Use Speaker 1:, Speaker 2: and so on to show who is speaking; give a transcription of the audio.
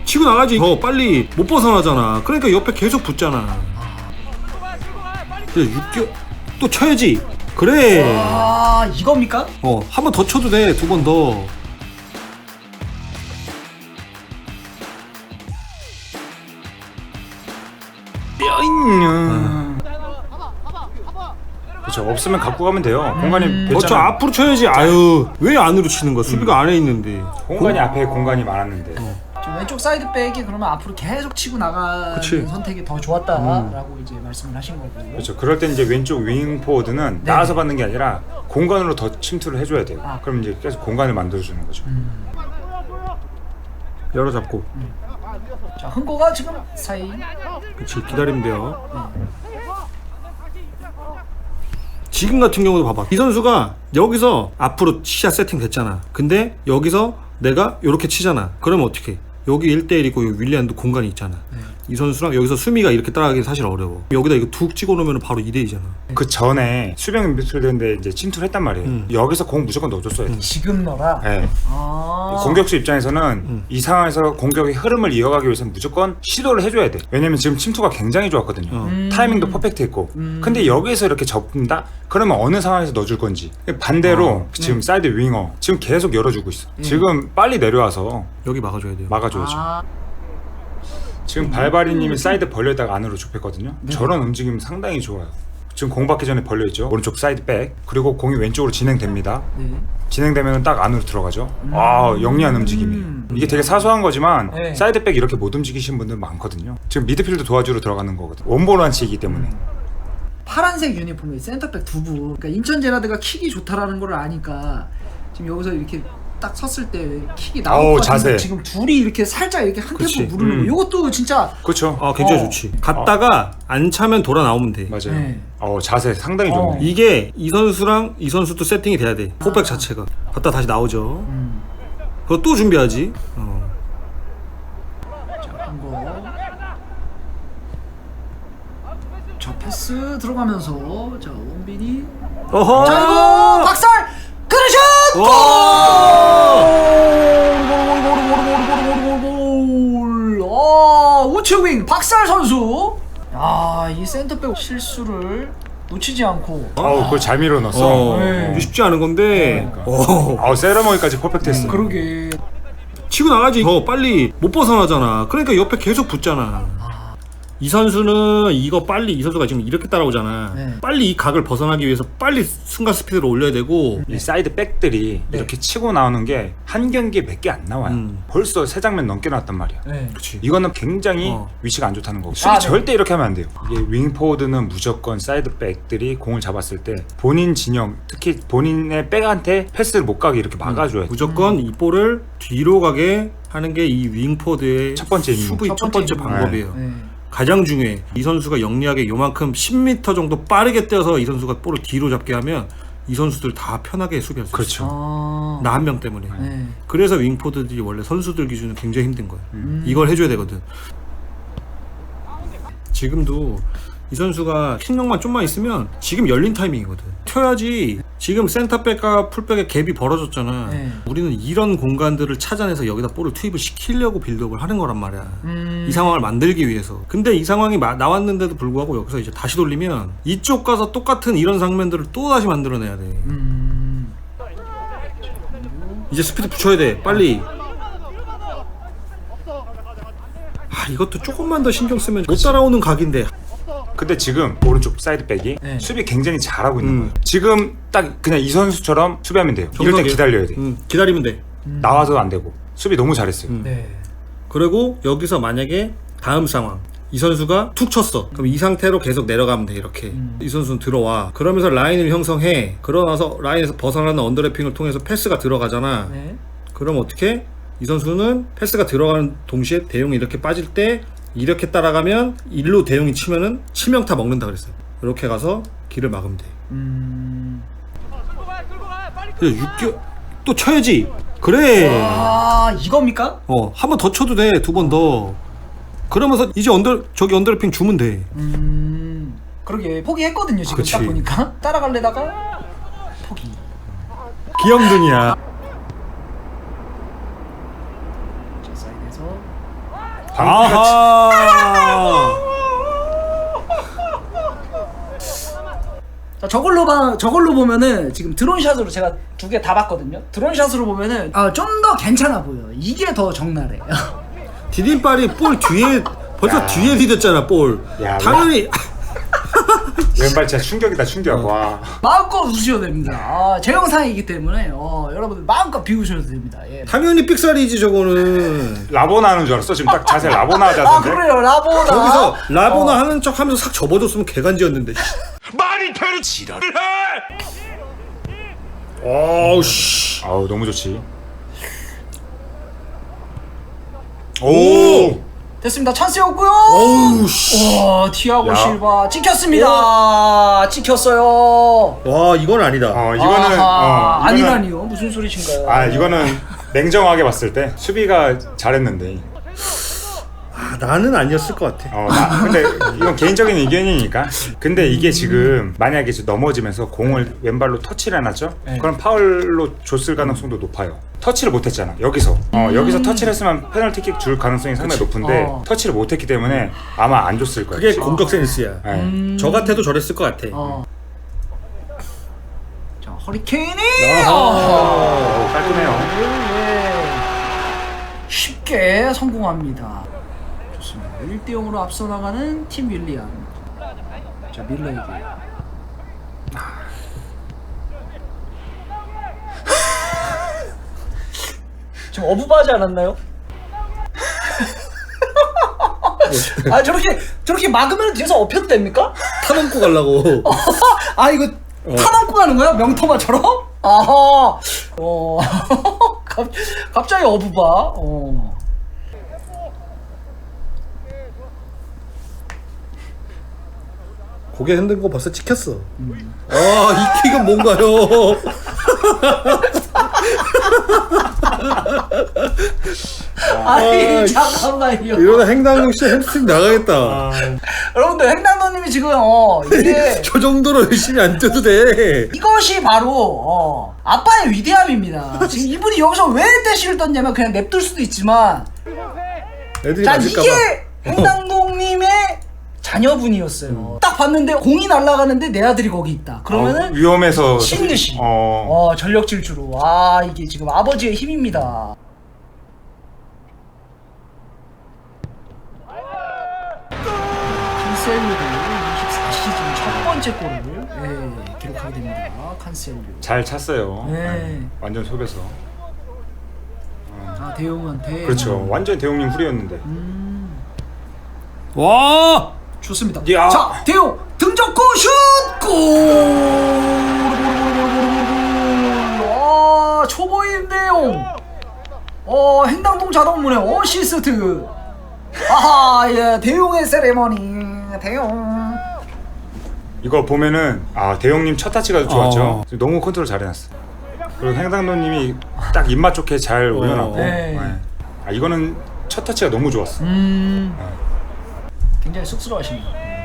Speaker 1: 치고 나가지. 더 빨리 못 벗어나잖아. 그러니까 옆에 계속 붙잖아. 그래 6개월 또 쳐야지. 그래.
Speaker 2: 아 이겁니까?
Speaker 1: 한 번 더 쳐도 돼. 두 번 더.
Speaker 3: 그렇죠. 없으면 갖고 가면 돼요. 공간이
Speaker 1: 저
Speaker 3: 됐잖아.
Speaker 1: 앞으로 쳐야지. 아유 왜 안으로 치는 거야? 수비가 안에 있는데.
Speaker 3: 공간이 앞에 공간이 많았는데.
Speaker 2: 좀 왼쪽 사이드백이 그러면 앞으로 계속 치고 나가는
Speaker 1: 그치.
Speaker 2: 선택이 더 좋았다라고 이제 말씀을 하신 거고.
Speaker 3: 그렇죠. 그럴 때 이제 왼쪽 윙 포워드는 나와서 받는 게 아니라 공간으로 더 침투를 해줘야 돼요.
Speaker 2: 아.
Speaker 3: 그럼 이제 계속 공간을 만들어주는 거죠.
Speaker 1: 열어 잡고.
Speaker 2: 자 흥고가 지금 사이.
Speaker 1: 그렇지 기다리면 돼요. 지금 같은 경우도 봐봐. 이 선수가 여기서 앞으로 시야 세팅 됐잖아. 근데 여기서 내가 이렇게 치잖아. 그러면 어떻게? 여기 1대1이고 윌리안도 공간이 있잖아. 이 선수랑 여기서 수미가 이렇게 따라가기 사실 어려워. 여기다 이거 툭 찍어 놓으면 바로 2대2잖아.
Speaker 3: 그 전에 수비형 미드필더인데 이제 침투를 했단 말이에요. 여기서 공 무조건 넣어줬어야 돼.
Speaker 2: 지금 너라.
Speaker 3: 네.
Speaker 2: 아.
Speaker 3: 공격수 입장에서는 이 상황에서 공격의 흐름을 이어가기 위해서는 무조건 시도를 해줘야 돼. 왜냐면 지금 침투가 굉장히 좋았거든요. 타이밍도 퍼펙트했고. 근데 여기서 이렇게 접는다? 그러면 어느 상황에서 넣어줄 건지. 반대로 지금 사이드 윙어 지금 계속 열어주고 있어. 지금 빨리 내려와서
Speaker 1: 여기 막아줘야 돼요.
Speaker 3: 막아줘야죠.
Speaker 2: 아.
Speaker 3: 지금 발바리님이 사이드 벌려다가 안으로 좁혔거든요. 저런 움직임 상당히 좋아요. 지금 공 받기 전에 벌려있죠. 오른쪽 사이드 백. 그리고 공이 왼쪽으로 진행됩니다.
Speaker 2: 네.
Speaker 3: 진행되면 딱 안으로 들어가죠. 아 영리한 움직임이. 이게 되게 사소한 거지만
Speaker 2: 네.
Speaker 3: 사이드 백 이렇게 못 움직이시는 분들 많거든요. 지금 미드필드 도와주러 들어가는 거거든. 원볼 완치이기 때문에.
Speaker 2: 파란색 유니폼에 센터백 두부. 그러니까 인천 제라드가 킥이 좋다라는 걸 아니까 지금 여기서 이렇게 딱 섰을 때 킥이 나올
Speaker 3: 어우,
Speaker 2: 것 같은데
Speaker 3: 자세.
Speaker 2: 지금 둘이 이렇게 살짝 이렇게 한
Speaker 1: 그치.
Speaker 2: 템포 무르는 거. 이것도 진짜
Speaker 3: 그렇죠.
Speaker 1: 굉장히
Speaker 2: 어.
Speaker 1: 좋지. 갔다가 안 차면 돌아 나오면 돼.
Speaker 3: 맞아요.
Speaker 2: 네.
Speaker 3: 자세 상당히 좋네.
Speaker 1: 이게 이 선수랑 이 선수도 세팅이 돼야 돼. 포백 자체가. 갔다 다시 나오죠. 그거 또 준비하지.
Speaker 2: 자, 한 거. 자, 패스 들어가면서 자, 원빈이
Speaker 1: 어허.
Speaker 2: 자, 이거 박살! 그르슛! 골! 우측윙 박살 선수. 이 센터백 실수를 놓치지 않고.
Speaker 3: 그걸 잘 밀어 넣었어.
Speaker 2: 네.
Speaker 1: 이게 쉽지 않은 건데.
Speaker 3: 세레머니까지 퍼펙트했어.
Speaker 2: 그러게.
Speaker 1: 치고 나가지. 더 빨리 못 벗어나잖아. 그러니까 옆에 계속 붙잖아. 이 선수는 이거 빨리 이 선수가 지금 이렇게 따라오잖아.
Speaker 2: 네.
Speaker 1: 빨리 이 각을 벗어나기 위해서 빨리 순간 스피드를 올려야 되고.
Speaker 3: 이 사이드 백들이 이렇게 치고 나오는 게 한 경기에 몇 개 안 나와요. 벌써 3장면 넘게 나왔단 말이야.
Speaker 2: 네.
Speaker 1: 그렇지.
Speaker 3: 이거는 굉장히 위치가 안 좋다는 거고. 수비
Speaker 2: 네.
Speaker 3: 절대 이렇게 하면 안 돼요. 이게 윙포워드는 무조건 사이드 백들이 공을 잡았을 때 본인 진영, 특히 본인의 백한테 패스를 못 가게 이렇게 막아줘야 돼.
Speaker 1: 무조건 이 볼을 뒤로 가게 하는 게 이 윙포드의
Speaker 3: 첫 번째 임무.
Speaker 1: 수비 첫 번째
Speaker 2: 임무.
Speaker 1: 방법이에요.
Speaker 2: 네.
Speaker 1: 가장 중요해. 이 선수가 영리하게 요만큼 10m 정도 빠르게 뛰어서 이 선수가 볼을 뒤로 잡게 하면 이 선수들 다 편하게 수비할 수
Speaker 3: 그렇죠.
Speaker 1: 있어. 나 한 명 때문에.
Speaker 2: 네.
Speaker 1: 그래서 윙포드들이 원래 선수들 기준은 굉장히 힘든 거야. 이걸 해줘야 되거든. 지금도 이 선수가 킥력만 좀만 있으면 지금 열린 타이밍이거든. 튀어야지. 지금 센터백과 풀백의 갭이 벌어졌잖아.
Speaker 2: 네.
Speaker 1: 우리는 이런 공간들을 찾아내서 여기다 볼을 투입을 시키려고 빌드업을 하는 거란 말이야. 이 상황을 만들기 위해서. 근데 이 상황이 나왔는데도 불구하고 여기서 이제 다시 돌리면 이쪽 가서 똑같은 이런 장면들을 또 다시 만들어내야 돼. 이제 스피드 붙여야 돼. 빨리. 이것도 조금만 더 신경 쓰면 못 따라오는 각인데.
Speaker 3: 근데 지금 오른쪽 사이드 백이
Speaker 2: 네.
Speaker 3: 수비 굉장히 잘하고 있는 거예요. 지금 딱 그냥 이 선수처럼 수비하면 돼요. 이럴 때
Speaker 1: 정석이에요.
Speaker 3: 기다려야 돼.
Speaker 1: 기다리면 돼.
Speaker 3: 나와서도 안 되고. 수비 너무 잘했어요.
Speaker 2: 네.
Speaker 1: 그리고 여기서 만약에 다음 상황 이 선수가 툭 쳤어. 그럼 이 상태로 계속 내려가면 돼. 이렇게 이 선수는 들어와. 그러면서 라인을 형성해. 그러나서 라인에서 벗어나는 언더래핑을 통해서 패스가 들어가잖아.
Speaker 2: 네.
Speaker 1: 그럼 어떻게? 이 선수는 패스가 들어가는 동시에 대용이 이렇게 빠질 때 이렇게 따라가면 일로 대용이 치면은 치명타 먹는다 그랬어요. 이렇게 가서 길을 막으면 돼. 그래 6개월 또 쳐야지. 그래.
Speaker 2: 이겁니까?
Speaker 1: 한 번 더 쳐도 돼. 두 번 더. 그러면서 이제 언더래핑 주면 돼.
Speaker 2: 그러게 포기했거든요 지금.
Speaker 1: 그치.
Speaker 2: 딱 보니까 따라갈래다가 포기.
Speaker 1: 귀염둥이야.
Speaker 2: 자, 사이드에서
Speaker 1: 아하.
Speaker 2: 자, 저걸로 보면은 지금 드론샷으로 제가 2개 다 봤거든요. 드론샷으로 보면은 좀 더 괜찮아 보여. 이게 더 적나라해.
Speaker 1: 디딤발이 볼 뒤에 벌써
Speaker 3: 야.
Speaker 1: 뒤에 디뎠잖아 볼.
Speaker 3: 야,
Speaker 1: 당연히
Speaker 3: 왼발 진짜 충격이다 충격. 와.
Speaker 2: 마음껏 웃으셔도 됩니다. 제 영상이기 때문에 여러분들 마음껏 비우셔도 됩니다. 예.
Speaker 1: 당연히 삑살이지 저거는.
Speaker 3: 라보나 하는 줄 알았어. 지금 딱 자세 라보나 자세인데.
Speaker 2: 그래요. 라보나.
Speaker 1: 거기서 라보나 하는 척 하면서 싹 접어줬으면 개간지였는데.
Speaker 3: 말이 되는 지랄을 해.
Speaker 1: 어우 씨.
Speaker 3: 아우 너무 좋지. 오.
Speaker 2: 됐습니다. 찬스였고요.
Speaker 1: 어우 씨.
Speaker 2: 티아고
Speaker 3: 야.
Speaker 2: 실바 찍혔습니다. 찍혔어요.
Speaker 1: 와 이건 아니다.
Speaker 3: 이거는
Speaker 2: 아하,
Speaker 3: 이거는-
Speaker 2: 아니라니요. 무슨 소리신가요?
Speaker 3: 아 이거는 냉정하게 봤을 때 수비가 잘했는데.
Speaker 1: 나는 아니었을 것 같아.
Speaker 3: 근데 이건 개인적인 의견이니까. 근데 이게 지금 만약에 넘어지면서 공을 왼발로 터치를 해놨죠?
Speaker 2: 네.
Speaker 3: 그럼 파울로 줬을 가능성도 높아요. 터치를 못했잖아. 여기서 여기서 터치를 했으면 페널티킥 줄 가능성이 상당히 높은데 터치를 못했기 때문에 아마 안 줬을 거예요.
Speaker 1: 그게 공격 센스야.
Speaker 3: 네.
Speaker 1: 저 같아도 저랬을 것 같아.
Speaker 2: 자, 허리케인이
Speaker 3: 깔끔해요.
Speaker 2: 쉽게 성공합니다. 좋습니다. 1대0으로 앞서 나가는 팀 윌리안. 자, 밀러에게. 좀 어부바지 않았나요? 저렇게 막으면 뒤에서 엎혀도 됩니까?
Speaker 1: 타넘고 가려고.
Speaker 2: 이거 타넘고 가는 거야? 명토마처럼? 아하. 갑자기 어부바.
Speaker 1: 고개 흔든 거 벌써 찍혔어. 이 킥은 뭔가요?
Speaker 2: 잠깐만요.
Speaker 1: 이러다 행당동 씨 햄스트링 나가겠다.
Speaker 2: 여러분들 횡단도님이 지금 이게
Speaker 1: 저 정도로 열심히 안 뛰어도 돼.
Speaker 2: 이것이 바로 아빠의 위대함입니다. 지금 이분이 여기서 왜 대시를 떴냐면 그냥 냅둘 수도 있지만
Speaker 1: 애들이
Speaker 2: 자
Speaker 1: 맞을까봐.
Speaker 2: 이게 횡단동님의 자녀분이었어요. 딱 봤는데 공이 날아가는데 내 아들이 거기 있다. 그러면은
Speaker 3: 위험해서
Speaker 2: 신듯이 전력 질주로 이게 지금 아버지의 힘입니다. 칸셀루도 24시즌 첫 번째 골을 기록하게 됩니다. 칸셀루.
Speaker 3: 잘 찼어요.
Speaker 2: 네.
Speaker 3: 완전 속여서.
Speaker 2: 대용한테.
Speaker 3: 그렇죠. 완전 대용님 훌이었는데.
Speaker 1: 와!
Speaker 2: 좋습니다.
Speaker 3: 야.
Speaker 2: 자, 대용 등적고 슛! 골! 초보인 대용. 행당동 자동문의 어시스트. 대용의 세레머니. 대용.
Speaker 3: 이거 보면은 대용님 첫 타치가 좋았죠. 너무 컨트롤 잘해놨어. 그리고 행당도님이 딱 입맛 좋게 잘 올려놨고.
Speaker 2: 네.
Speaker 3: 이거는 첫 타치가 너무 좋았어.
Speaker 2: 굉장히 쑥스러워하십니다.